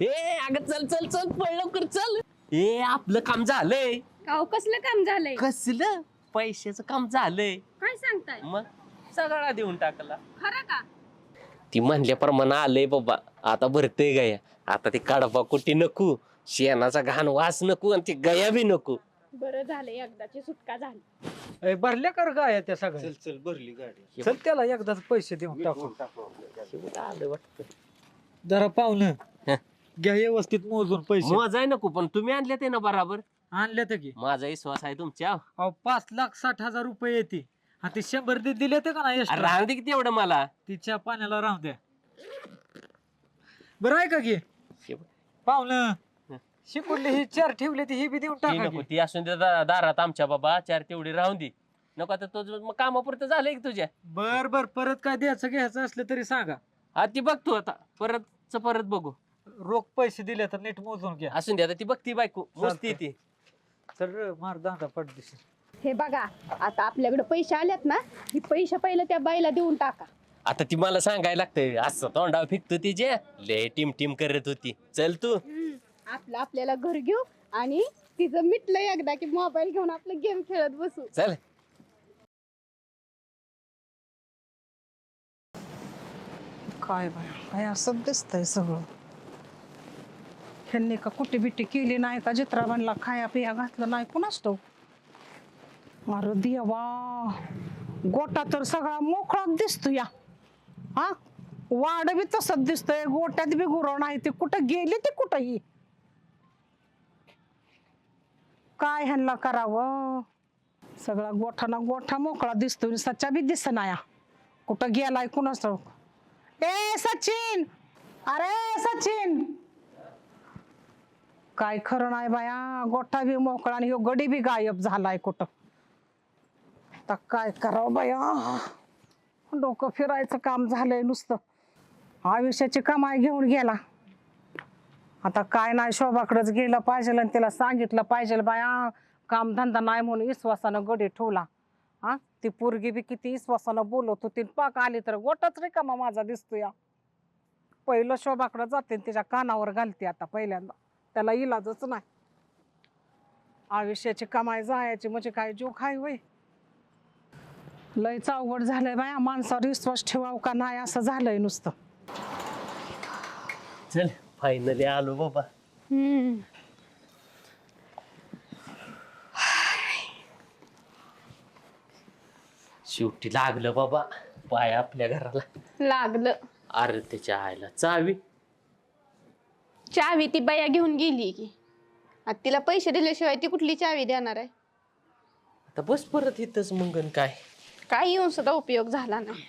ए अगं चल चल चल पळ लवकर चल. ए आपलं काम झालंय. काव कसलं काम झालंय? कसलं पैशाचं काम झालंय. काय सांगताय? मग सगळा देऊन टाकला. खरं का? ती म्हणल्याप्रमाणे आलंय बाबा. आता भरतय गया. आता ते काढपा कुठे नको, शेणाचा घाण वास नको आणि ती गया बी नको. बरं झालं एकदाची सुटका झाली. भरल्या कर गाय त्या सगळ्या. चल चल भरली गाडी. चल त्याला एकदाच पैसे देऊन टाकू. आलं वाटतं. जरा पाहुणं हं. घ्या व्यवस्थित मोजून पैसे. मजाय नको पण तुम्ही आणले ते ना बराबर. आणले तर की माझा विश्वास आहे तुमच्या. 5,60,000 रुपये येते. हा ते 100 दिले ते का नाही अरे extra? राहून दे किती एवढं मला. तिच्या पाण्याला राहू द्या. बरं आहे का की पाहुणं शिकवले ही 4 ठेवले ती ही बी देऊन ती टाका नको की. ती असून दे दारात आमच्या बाबा 4 तेवढी राहून दे. नको आता तो कामापुरतं झालंय की तुझ्या. बर बर परत काय द्यायचं घ्यायचं असलं तरी सांगा. हा ती बघ तू आता परत बघू. रोख पैसे दिले तर नीट मोजून घ्या. असून दे आता ती बघती बायको मोजती ती. तर मार दांडा पडदिशी. हे बघा आता आपल्याकडे पैसे आलेत ना, ही पैसे पहिले त्या बाईला देऊन टाका. आता ती मला सांगायला लागतंय असं तोंडावर फिकतो तिचे लय टीम करत होती. चल तू. आपलं आपल्याला घर घेऊ आणि तिचं मिटलं एकदा की मोबाईल घेऊन आपलं गेम खेळत बसू. चल. काय बाय काय असं दिसतंय सगळं. ह्यांनी का कुठे बिट्टी केली नाही का चित्राबांना खाया पिया घातलं नाही कुणाच ठाऊक. अरे देवा गोटा तर सगळा मोकळाच दिसतो या. हा वाड बी तसंच दिसतंय, गोट्यात बी गुरव नाही. ते कुठं गेले ते कुठंही. काय ह्यांना करावं. सगळा गोठा गोठा मोकळा दिसतोय, सच्चा बी दिसना या. कुठं गेलाय कुणाच ठाऊक. ए सचिन, अरे सचिन, काय खरं नाही बाया. गोठा बी मोकळा आणि ह्यो गडी बी गायब झालाय कुठं. आता काय करावं बाया. डोकं फिरायचं काम झालंय नुसतं. आयुष्याची कमाई घेऊन गेला. आता काय नाही शोभाकडेच गेलं पाहिजे आणि त्याला सांगितलं पाहिजे बाया कामधंदा नाही म्हणून विश्वासानं गडी ठेवला. हा ती पोरगी बी किती विश्वासानं बोलत होती. पाक आली तर गोटाच रिकामा माझा दिसतो या. पहिलं शोभाकडे जाते तिच्या कानावर घालते आता पहिल्यांदा. त्याला इलाजच नाही. आयुष्याची कमाई जायची म्हणजे काय जीव खाय होय. लयच अवघड झालंय बाया. माणसावर विश्वास ठेवाव का नाही असं झालंय नुसतं. चल फायनली आलो बाबा. शेवटी लागलं बाबा पाय आपल्या घराला. लागलं. अरे त्याच्या आईला चावी. चावी ती बाया घेऊन गेली की आता तिला पैसे दिल्याशिवाय ती कुठली चावी देणार आहे? आता बस परत इथंच मंगन काय. काय येऊन सुद्धा उपयोग झाला नाही.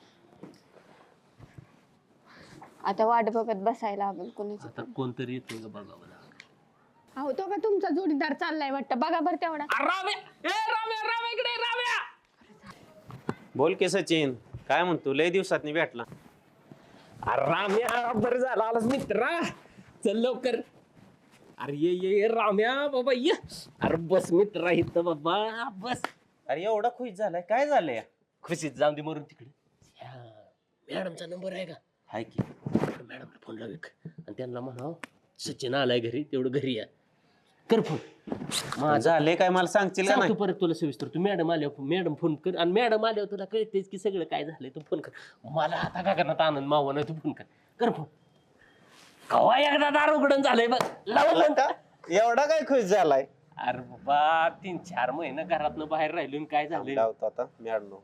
आता वाट बघत बसायला लागेल कोणाची. आता कोणतरी येतो का बघा मला. अहो तो का तुमचा जोडीदार चाललाय वाटतं. बघा बरं तेवढा. राम्या इकडे राम्या. बोल की सचिन, काय म्हणतो लय दिवसात भेटला. अरे राम्या बरं झालं आलास मित्रा. चल लवकर. अरे ये राम्या बाबा ये. अरे बस मित्रा इथं बाबा बस. अरे एवढा खुश झालाय, काय झालंय? खुशीत जाऊन दे मरून तिकडे. मॅडमचा नंबर आहे का? हाय की. मॅडमला फोन लाव आणि त्यांना म्हणाव सचिन आलाय घरी तेवढं घरी या. कर फोन. माझं झालंय काय मला सांगशील का सांगतो नाही? परत तुला सविस्तर. तू मॅडम आल्यावर मॅडम फोन कर आणि मॅडम आल्यावर तुला कळतेच की सगळं काय झालंय. तू फोन कर. मला आता का करणार आनंद मावा नाही. तू फोन कर फोन. कवा एकदा दार उघडून झालंय बघ. लावलं का? एवढा काय खुश झालाय? अरे बाबा 3-4 महिने घरातनं बाहेर राहिलो आणि काय झालंय. लावतो आता मॅडम.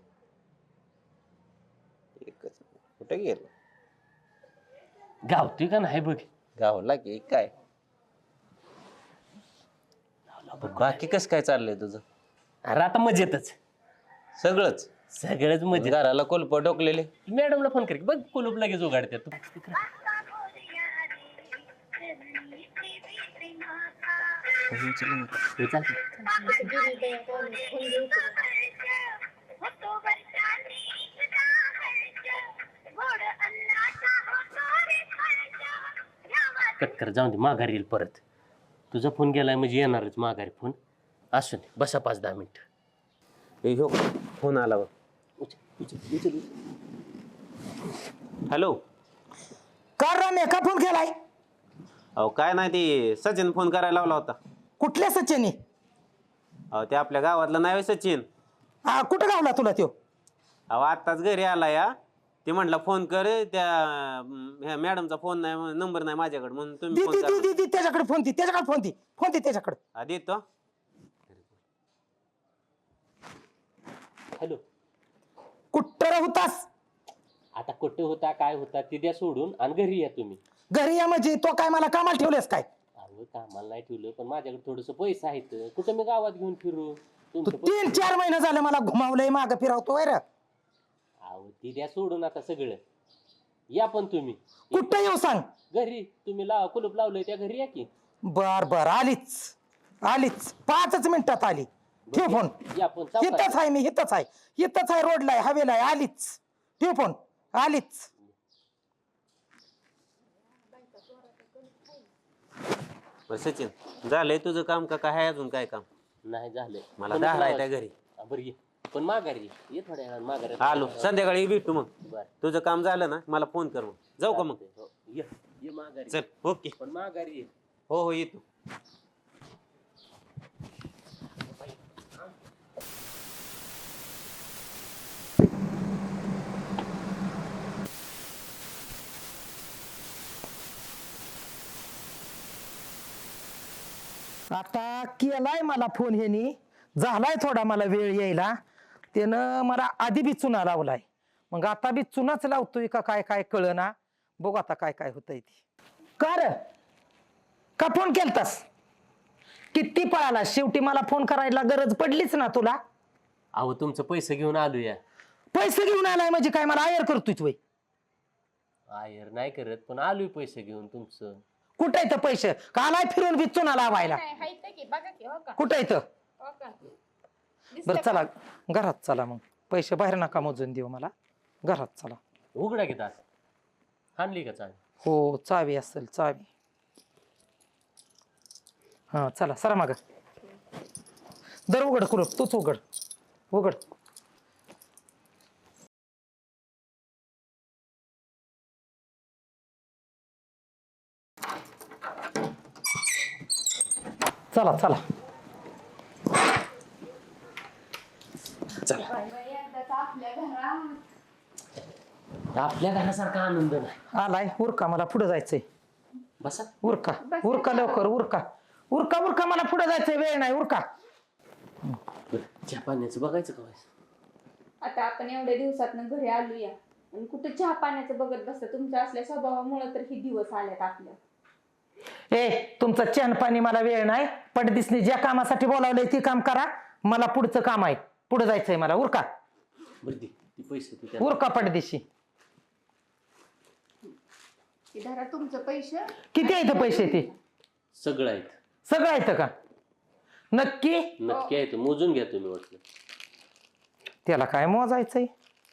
एकच कुठे गेलो? गावतोय का नाही बघ. गावला की काय? बाकी कस काय चाललंय तुझं? अरे आता मजेतच सगळंच सगळंच मजेत. घराला कोलप टोकलेले. मॅडमला फोन कर बघ कुलूप लगेच उघडते. तू कट कर जाऊन दे. माघारी येईल परत. तुझा फोन गेलाय म्हणजे येणारच माघारी फोन. असू दे बसा 5-10 मिनिट. फोन आला बघ. हॅलो. का राम्या का फोन केलाय? अहो काय नाही ते सचिन फोन करायला लावला होता. कुठल्या सचिनी? अहो ते आपल्या गावातला नाही होय सचिन. हा कुठं गावला तुला त्यो? अहो आत्ताच घरी आला या. ते म्हटलं फोन कर त्या मॅडमचा फोन नाही नंबर नाही माझ्याकडे म्हणून तुम्ही दी फोन दी दी करा. दी दी त्याच्याकडे फोन दी, त्याच्याकडे फोन दी, फोन दी त्याच्याकडे. हा देतो. हॅलो. कुठं होतास? आता कुठे होता काय होता ते द्या सोडून आणि घरी या तुम्ही. घरी या म्हणजे तो काय मला कामाला ठेवलेस काय? अहो कामाला नाही ठेवलं पण माझ्याकडे थोडस पैसे आहेत. कुठं मी गावात घेऊन फिरू तू तुमचं पैसे- 3-4 महिने झाले मला घुमावलंय माग फिरवतोय रे. अहो ती द्या सोडून आता सगळं. या पण तुम्ही कुठं येऊ सांग? घरी तुम्ही कुलूप लावलंय त्या घरी या की. बर बर आलीच आलीच 5च मिनिटात आली. ठेव फोन. या पण सावकाश. इथंच आहे मी, इथंच आहे, इथंच आहे, रोडला आहे, हवेला आहे. आलीच. ठेव फोन. आलीच. बरं सचिन झालंय तुझं काम का काय आहे अजून काय काम? नाही झालंय मला पण दहा आहे लावा. त्या घरी. बरं ये पण माघारी ये थोड्या वेळानं माघारी. आलो संध्याकाळी भेटू मग. बरं तुझं काम झालं ना मला फोन कर मग. जाऊ का मग? चालतंय. हो. ये माघारी चल ओके. पण माघारी ये. हो हो येतो. आता केलाय मला फोन ह्यानी, झालाय थोडा मला वेळ यायला. त्यानं मला आधी बी चुना लावलाय, मग आता बी चुनाच लावतोय का काय काय कळना. बघू आता काय काय होतंय ते. का फोन केलतास? किती पळाला? शेवटी मला फोन करायला गरज पडलीच ना तुला. अहो तुमचं पैसे घेऊन आलो या. पैसे घेऊन आलाय म्हणजे काय मला आयर करतोय तू? आयर नाही करत पण आलोय पैसे घेऊन तुमचं. कुठं येतं पैसे? का आलाय फिरून बी चुना लावायला? काय हाय ते की बघा की हो का कुठं येतं? हो का बरं दिसलं चला का? घरात चला, मग पैसे बाहेर नका मोजून देऊ मला, घरात चला. उघडा की तास आणली का चावी? हो चावी असेल, चावी. हा चला सरा माग. दर उघड करू, तूच उघड उघड. चला चला चला. बाई, एकदाच आपल्या घरात. आपल्या घरासारखा आनंद नाही. आलाय उरका, मला पुढे जायचंय. बसा. उरका उरका लवकर उरका उरका उरका, मला पुढे जायचंय, वेळ नाही, उरका. बरं, चहा पाण्याचं बघायचं का व्हायचं? आता आपण एवढ्या दिवसातनं घरी आलूया आणि कुठे चहा पाण्याचं बघत बसतं. तुमच्या असल्या स्वभावामुळे तर हे दिवस आलेत आपल्या. तुमचं चहा पाणी मला वेळ नाही. पटदिसनी ज्या कामासाठी बोलावलंय ते काम करा. मला पुढचं काम आहे, पुढे जायचंय मला. उरका बरं दे ती पैसे तू त्याला. उरका पटदिशी. की धरा तुमचं पैसे. किती आहेत पैसे? ते सगळं आहेत. सगळं येतं का? नक्की? नक्की आहेत, मोजून घ्या तुम्ही वाटलं. त्याला काय मोजायचंय?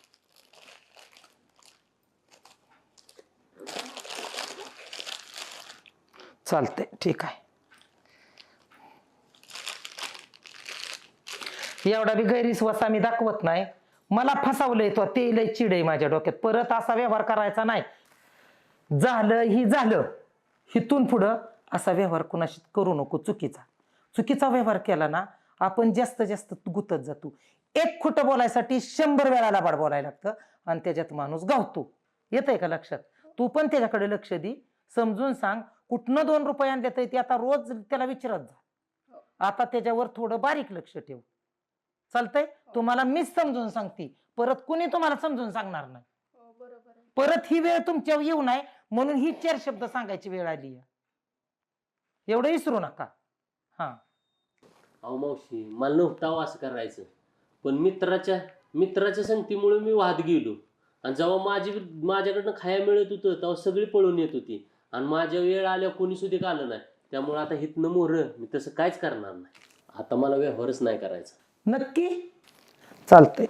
चालतंय, ठीक आहे. एवढा बी गैरविश्वास आम्ही दाखवत नाही. मला फसवलंय तो, ते लय चिड आहे माझ्या डोक्यात. परत असा व्यवहार करायचा नाही. झालं ही झालं, हिथून पुढं असा व्यवहार कुणाशी करू नको. चुकीचा व्यवहार केला ना आपण जास्त जास्त गुतत जातो. एक खोटं बोलायसाठी 100 वेळा लाबाड बोलायला लागतं आणि त्याच्यात माणूस गावतो. येतंय का लक्षात? तू पण त्याच्याकडे लक्ष दे, समजून सांग. कुठनं 2 रुपये आणले ते आता रोज त्याला विचारत जा. आता त्याच्यावर थोडं बारीक लक्ष ठेव. चालतंय? तुम्हाला मीच समजून सांगते, परत कुणी तुम्हाला समजून सांगणार नाही. बरोबर. परत ही वेळ तुमच्यावर येऊ नये म्हणून ही 4 शब्द सांगायची वेळ आली. एवढं विसरू नका. हा अहो मावशी, मला नव्हतं असं करायचं पण मित्राच्या संगतीमुळे मी वाद गेलो. आणि जेव्हा माझ्याकडनं खाया मिळत होतं तेव्हा सगळी पळून येत होती आणि माझ्या वेळ आल्या कोणी सुद्धा आलं नाही. त्यामुळे आता हितनं मोरं मी तसं काहीच करणार नाही. आता मला व्यवहारच नाही करायचा. नक्की? चालतंय.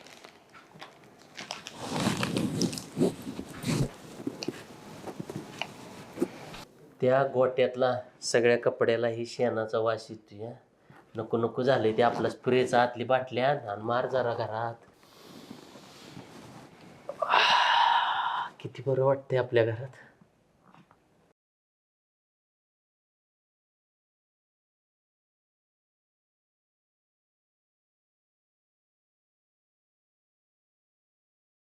त्या गोट्यातला सगळ्या कपड्याला ही शेणाचा वास येतोय. नको नको झालंय ते. आपला स्प्रेचा आतली बाटल्या आणि मार जरा घरात. किती बरं वाटतंय आपल्या घरात.